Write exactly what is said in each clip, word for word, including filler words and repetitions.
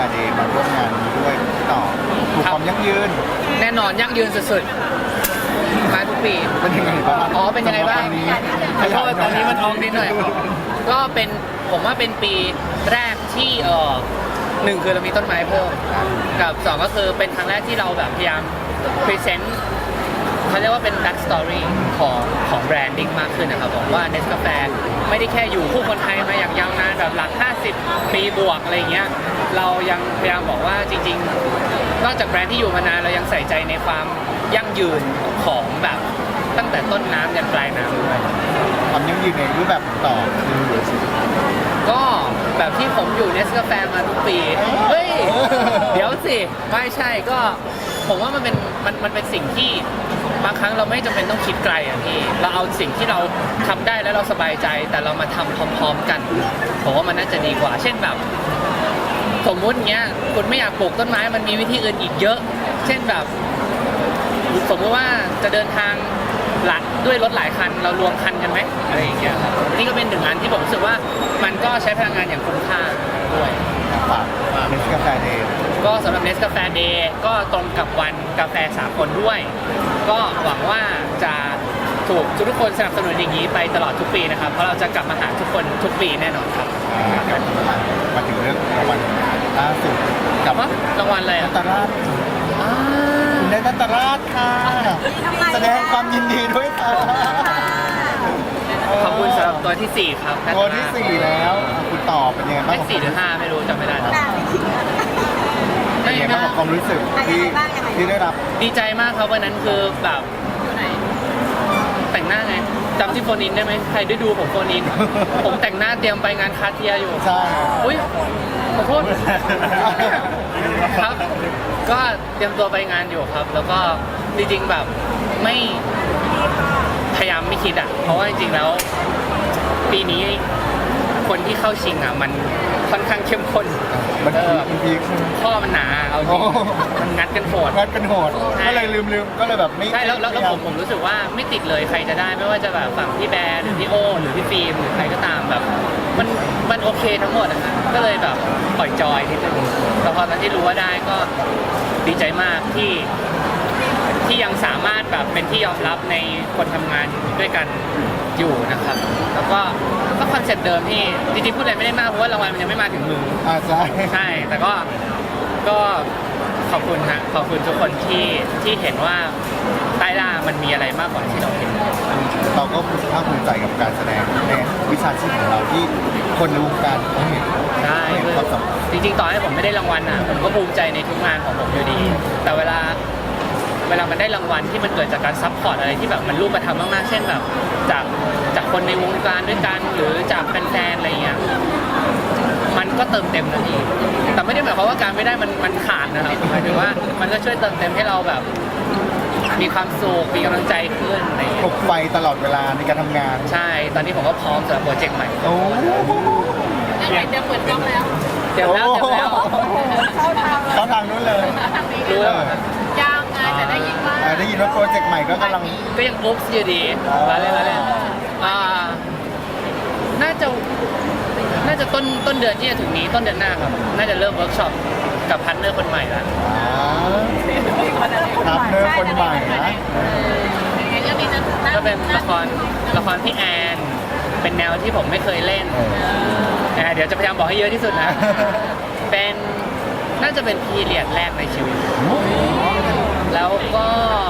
เดย์มาร่วมงานนี้ด้วยต่อถูกความยั่งยืนแน่นอนยั่งยืนสุดๆมาทุกปีเป็นยังไงบ้างอ๋อเป็นยังไงบ้างขอโทษตอนนี้มันท้องนิดหน่อยก็เป็นผมว่าเป็นปีแรกที่เออหนึ่งคือเรามีต้นไม้เพิ่มกับสองก็คือเป็นครั้งแรกที่เราแบบพยายามพรีเซนต์เขาเรียกว่าเป็น back story ของของแบรนดิ้งมากขึ้นนะครับผมว่าเนสกาแฟไม่ได้แค่อยู่คู่คนไทยมาอย่างยาวนานแบบหลักห้าสิบปีบวกอะไรเงี้ยเรายังพยายามบอกว่าจริงๆนอกจากแบรนด์ที่อยู่มานานเรายังใส่ใจในความยั่งยืนของแบบตั้งแต่ต้นน้ำยันปลายน้ำด้วยความยั่งยืนในรูปแบบต่อคือก็แบบที่ผมอยู่เนสกาแฟมาทุกปีเฮ้ยเดี๋ยวสิไม่ใช่ก็ผมว่ามันเป็นมันมันเป็นสิ่งที่บางครั้งเราไม่จำเป็นต้องคิดไกลอ่ะพี่เราเอาสิ่งที่เราทำได้แล้วเราสบายใจแต่เรามาทำพร้อมๆกันผมว่ามันน่าจะดีกว่าเช่นแบบสมมุติเงี้ยคุณไม่อยากปลูกต้นไม้มันมีวิธีอื่นอีกเยอะเช่นแบบสมมติว่าจะเดินทางหลักด้วยรถหลายคันเรารวมคันกันไหมอะไรอย่างเงี้ยครับนี่ก็เป็นหนึ่งอันที่ผมรู้สึกว่ามันก็ใช้พลังงานอย่างคุ้มค่าด้วยฝากเนสกาแฟเดย์ก็สำหรับเนสกาแฟเดย์ก็ตรงกับวันกาแฟสากลด้วยก็หวังว่าจะถูกทุกคนสนับสนุนอย่างนี้ไปตลอดทุกปีนะครับเพราะเราจะกลับมาหาทุกคนทุกปีแน่นอนครับมาถึงเรื่องรางวัลล่าสุดกับรางวัลอะไรอ่ะตราชคุณได้นัตราชค่ะแสดงความยินดีด้วยค่ะขอบคุณสำหรับตัวที่สี่ครับตัวที่สี่แล้วคุณตอบเป็นยังไงบ้างสี่หรือห้าไม่รู้จำไม่ได้แล้วเป็นยังไงบ้างกับความรู้สึกที่ที่ได้รับดีใจมากครับวันนั้นคือแบบแต่งหน้าไงจำที่โฟนินได้ไหมใครได้ดูผมโฟนินผมแต่งหน้าเตรียมไปงานคาเทียอยู่ใช่อุ้ยขอโทษครับก็เตรียมตัวไปงานอยู่ครับแล้วก็จริงๆแบบไม่พยายามไม่คิดอ่ะเพราะว่าจริงๆแล้วปีนี้คนที่เข้าชิงอ่ะมันค่อนข้างเข้มข้นมันพีคข้อมันหนาเอาจริงมันงัดกันโหดงัดกันโหดก็เลยลืมลืมก็เลยแบบไม่ใช่แล้วแล้วผมผมรู้สึกว่าไม่ติดเลยใครจะได้ไม่ว่าจะแบบฝั่งพี่แบร์หรือพี่โอหรือพี่ฟิล์มหรือใครก็ตามแบบมันมันโอเคทั้งหมดนะก็เลยแบบปล่อยจอยนิดนึงแต่พอตอนที่รู้ว่าได้ก็ดีใจมากที่ที่ยังสามารถแบบเป็นที่ยอมรับในคนทำงานด้วยกันอยู่นะครับแล้วก็ก็คอนเซ็ปต์เดิมที่จริงๆพูดอะไรไม่ได้มากเพราะว่ารางวัลมันยังไม่มาถึงมืออ่าใช่ใช่แต่ก็ก็ขอบคุณฮะขอบคุณทุกคนที่ที่เห็นว่าใต้ล่ามันมีอะไรมากกว่าที่เราเห็นเราก็ภาคภูมิใจกับการแสดงในวิชาชีพของเราที่คนในวงการเขาเห็นใช่จริงๆต่อให้ผมไม่ได้รางวัลอ่ะผมก็ภูมิใจในทุกงานของผมอยู่ดีแต่เวลาเวลามันได้รางวัลที่มันเกิดจากการซัพพอร์ตอะไรที่แบบมันรูปธรรมมากๆเช่นแบบจากจากคนในวงการด้วยกันหรือจากแฟนๆอะไรเงี้ยมันก็เติมเต็มนะพี่แต่ไม่ได้หมายความว่าการไม่ได้มันมันขาดนะครับหมายถึงว่ามันก็ช่วยเติมเต็มให้เราแบบมีความสุขมีกำลังใจขึ้นอะไรเงี้ยปลุกไฟตลอดเวลาในการทำงานใช่ตอนนี้ผมก็พร้อมสำหรับโปรเจกต์ใหม่โอ้เดี๋ยวเดี๋ยวเปิดกล้องแล้วเดี๋ยวแล้วเดี๋ยวแล้วเข้าทางเข้าทางนู้นเลยรู้ยาวไงแต่ได้ยินว่าได้ยินว่าโปรเจกต์ใหม่ก็กำลังก็ยังอุ๊บอยู่ดีมาเลยมาเลยอ่าน่าจะน่าจะต้นต้นเดือนที่จะถึงนี้ต้นเดือนหน้าครับน่าจะเริ่มเวิร์กช็อปกับพาร์ทเนอร์คนใหม่แล้วพาร์ทเนอร์คนใหม่นะก็เป็นละครละครพี่แอนเป็นแนวที่ผมไม่เคยเล่นเดี๋ยวจะพยายามบอกให้เยอะที่สุดนะเป็นน่าจะเป็นพีเรียดแรกในชีวิตแล้วก็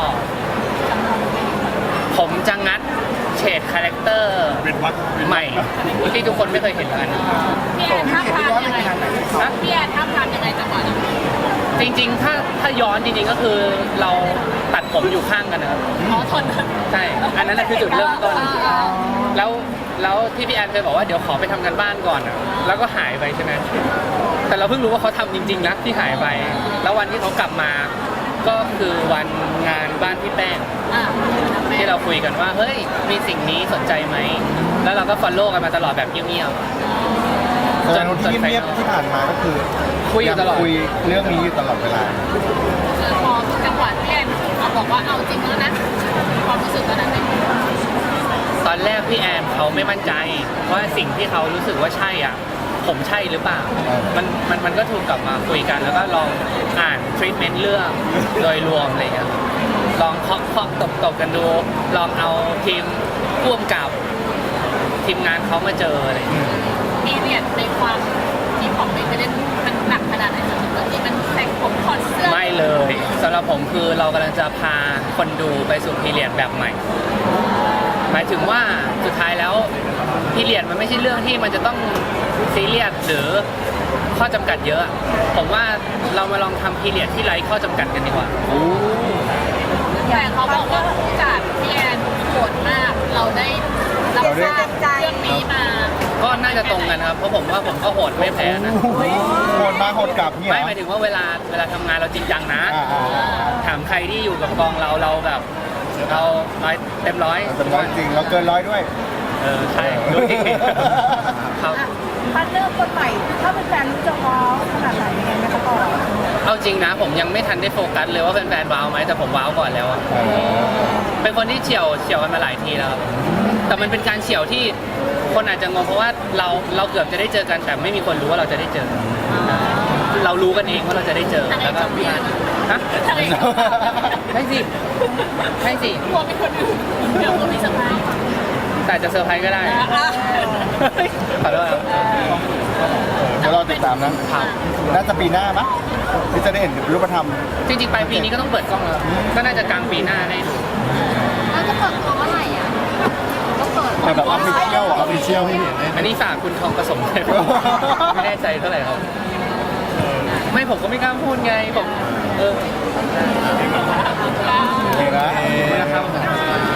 ผมจะงัดเฉดคาแรคเตอร์ใหม่ที่ทุกคนไม่เคยเห็นกันพี่แอนท่าทางยังไงนะพี่แอนท่าทางยังไงจังหวะนั้นจริงๆถ้าถ้าย้อนจริงๆก็คือเราตัดผมอยู่ข้างกันนะครับอ๋อทนใช่อันนั้นคือจุดเริ่มต้นแล้วแล้วที่พี่แอนเคยบอกว่าเดี๋ยวขอไปทำกันบ้านก่อนอ่ะแล้วก็หายไปใช่ไหมแต่เราเพิ่งรู้ว่าเขาทำจริงๆนะที่หายไปแล้ววันที่เขากลับมาก็คือวันงานบ้านพี่แป้งที่เราคุยกันว่าเฮ้ยมีสิ่งนี้สนใจไหมแล้วเราก็ฟอลโล่กันมาตลอดแบบเงียบๆจนที่เงียบที่ผ่านมาก็คือคุยอยู่ตลอดคุยเรื่องนี้อยู่ตลอดเวลาคือพอจังหวะพี่แอนเขาบอกว่าเอาจริงแล้วนะความรู้สึกตอนนั้นเป็นตอนแรกพี่แอนเขาไม่มั่นใจว่าสิ่งที่เขารู้สึกว่าใช่อ่ะผมใช่หรือเปล่าเออมันมันมันก็ถูกกลับมาคุยกัน แล้วก็ลองอ่านทรีทเมนต์เรื่องโดยรวมอะไรอย่างเงี้ยครับลองเคาะเคาะตบตบกันดู ลองเอาทีมร่วมกับทีมงานเขามาเจออะไรอย่างเงี้ยมีเรียนในความที่ผมไปเล่นมันหนักขนาดไหนจนถึงตอนนี้มันแต่งผมถอดเสื้อไม่เลยสำหรับผมคือเรากำลังจะพาคนดูไปสู่พีเรียดแบบใหม่ หมายถึงว่าสุดท้ายแล้วพีเรียดมันไม่ใช่เรื่องที่มันจะต้องซีเรียสหรือข้อจำกัดเยอะ ผมว่าเรามาลองทำพีเรียดที่ไร้ข้อจำกัดกันดีกว่าแต่เขาบอกว่าผู้จัดพี่แอนโหดมาก เราได้รับทราบเรื่องนี้มาก็น่าจะตรงกันครับเพราะผมว่าผมก็โหดไม่แพ้นะโหดมาโหดกลับเนี่ยไม่หมายถึงว่าเวลาเวลาทำงานเราจริงจังนะอ่าอ่าอ่าถามใครที่อยู่กับกองเราเราแบบเราร้อยเต็มร้อยแต่ร้อยจริงเราเกินร้อยด้วยเออใช่ดูดิครับพาร์ทเนอร์คนใหม่ถ้าเป็นแฟนรู้จะว้าวขนาดไหนยังไงไหมคะก่อนเอาจริงนะผมยังไม่ทันได้โฟกัสเลยว่าแฟนๆว้าวไหมแต่ผมว้าวก่อนแล้วอะเออเป็นคนที่เฉียวเฉียวกันมาหลายทีแล้วครับแต่มันเป็นการเฉียวที่คนอาจจะงงเพราะว่าเราเราเกือบจะได้เจอกันแต่ไม่มีคนรู้ว่าเราจะได้เจอเรารู้กันเองว่าเราจะได้เจอแล้วก็พี่ฮะทะเลกับเราใช่สิใช่สิกลัวเป็นคนอื่นเดี๋ยวก็มีสบายแต่จะเซอร์ไพรส์ก็ได้ขอโทษครับเดี๋ยวเราติดตามนะครับน่าจะปีหน้าปะที่จะได้เห็นรูปธรรมจริงๆปลายปีนี้ก็ต้องเปิดกล้องแล้วก็น่าจะกลางปีหน้าได้ดูเราจะเปิดตัวเมื่อไหร่อ่ะก็เปิดแต่แบบออฟฟิเชียลออฟฟิเชียลให้เห็นได้อันนี้ฝากคุณทองผสมเลยไม่แน่ใจเท่าไหร่ครับ ไม่ผมก็ไม่กล้าพูดไงผมเออโอเคนะขอบคุณนะครับ